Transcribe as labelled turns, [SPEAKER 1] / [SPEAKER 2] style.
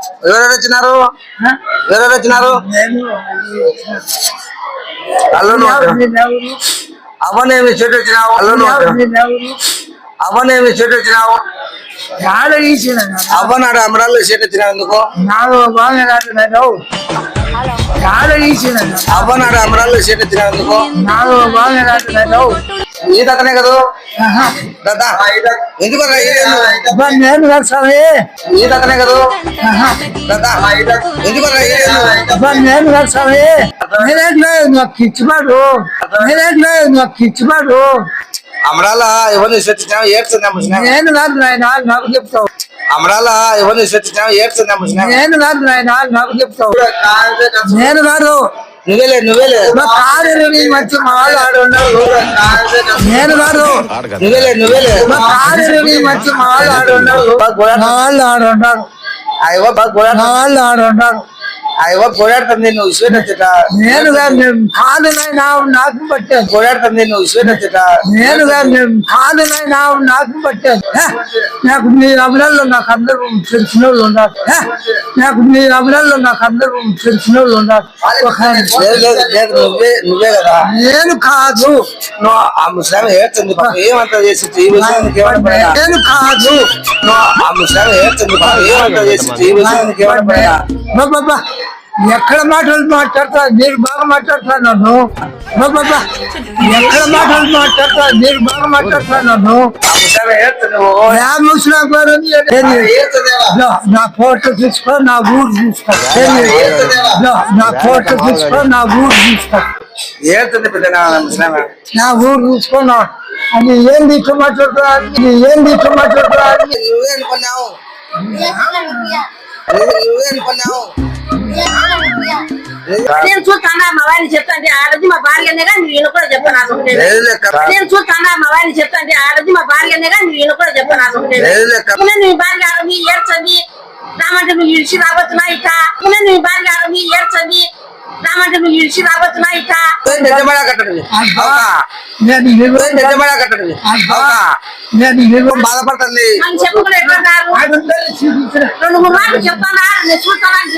[SPEAKER 1] ఎవరెవరు వచ్చినారు? ఎవరెవరు వచ్చినారు? అల్లుడు అవనేమి చెట్టు వచ్చినావు? అల్లుడు అవనేమి చెట్టు వచ్చినావు? అవ్వనాడు అమరాలు చెట్టు వచ్చినావు ఎందుకు? అవ్వనాడు అమరాలు చెట్టు వచ్చినావు ఎందుకు? ఈ తనే కదా ఎందుకు
[SPEAKER 2] నేను స్వామి
[SPEAKER 1] ఈ తనే కదా ఎందుకు
[SPEAKER 2] నేను స్వామి నేనేట్లేదు నాకు ఇచ్చిపాడు నేనేట్లేదు నాకు ఇచ్చిపాడు
[SPEAKER 1] అమరాల ఎవరిని విశ్వసించినావు ఏడ్చింది
[SPEAKER 2] నేను కాదు నాయన నాకు చెప్తావు
[SPEAKER 1] అమరాల ఎవరిని విశ్వసించినావు ఏడ్చింది
[SPEAKER 2] నేను కాదు నాయన నాకు చెప్తావు నేను కాదు
[SPEAKER 1] నువ్వేలే
[SPEAKER 2] కాదు మంచి మా వాళ్ళు ఆడున్నారు నేను కాదు
[SPEAKER 1] నువ్వేలే
[SPEAKER 2] కాదు మంచి మా వాళ్ళు ఆడున్నారు మా వాళ్ళు ఆడున్నారు
[SPEAKER 1] అయ్యో బాగా
[SPEAKER 2] మా వాళ్ళు ఆడున్నారు
[SPEAKER 1] అయ్యో పోరాడుతుంది నువ్వు విశ్వసించట
[SPEAKER 2] నేను కాదు కాదు నాయన నాకు పట్టాను
[SPEAKER 1] పోరాడుతుంది నువ్వు విశ్వసించట
[SPEAKER 2] నేను కాదు కాదు నాయన నాకు పట్టాను నాకు మీ అమరాల్లో నాకు అందరూ తెలిసిన వాళ్ళు ఉన్నారు నాకు మీ అమరాల్లో నాకు అందరూ తెలిసిన వాళ్ళు ఉన్నారు
[SPEAKER 1] నువ్వే కదా
[SPEAKER 2] నేను కాదు
[SPEAKER 1] నువ్వు ఆ ముస్లాం ఏడ్చింది ఏమంతా చేసి ఈ విషయానికి ఏమన్నా
[SPEAKER 2] నేను కాదు
[SPEAKER 1] నువ్వు ఆ ముస్లాం ఏడ్చింది ఏమంతా చేసి ఈ విషయానికి ఏమన్నా
[SPEAKER 2] బాబా ఎక్కడ మాటలు మాట్లాడతా మీరు బాగా మాట్లాడుతున్నాను బాబా ఎక్కడ మాటలు మాట్లాడతా మీరు బాగా మాట్లాడుతున్నాను ముస్లాం గారు నా ఫోటో తీసుకో నా ఊరు తీసుకో నా ఫోటో తీసుకో నా ఊరు తీసుకో
[SPEAKER 1] ఏడుతుంది పెద్ద ముస్లాం
[SPEAKER 2] నా ఊరు చూసుకున్నా అది ఏంది ఇట్లా మాట్లాడుతున్నా ఏంది ఇట్లా మాట్లాడుతున్నా
[SPEAKER 1] నువ్వే అనుకున్నావు నువ్వే అనుకున్నావు
[SPEAKER 3] నేను చూస్తానా మా వారిని చెప్తాంటే ఆడది మా భార్యనేగా నేను కూడా చెప్పను నేను చూస్తానా మా వారిని చెప్తాంటే ఆడది మా భార్యనేగా నేను కూడా చెప్పను నీ భార్య ఆడది ఏడ్చండి రామంటే నువ్వు ఇడిచి రాబోతున్నా ఇట నీ భార్య ఆడది ఏడ్చండి రామంటే నువ్వు ఇడిచి రాబోతున్నా ఇట
[SPEAKER 1] బాధపడుతుంది
[SPEAKER 3] అని చెప్పుకుని ఎట్లా 2-3 మాటలు చెప్తానా నేను చూస్తానా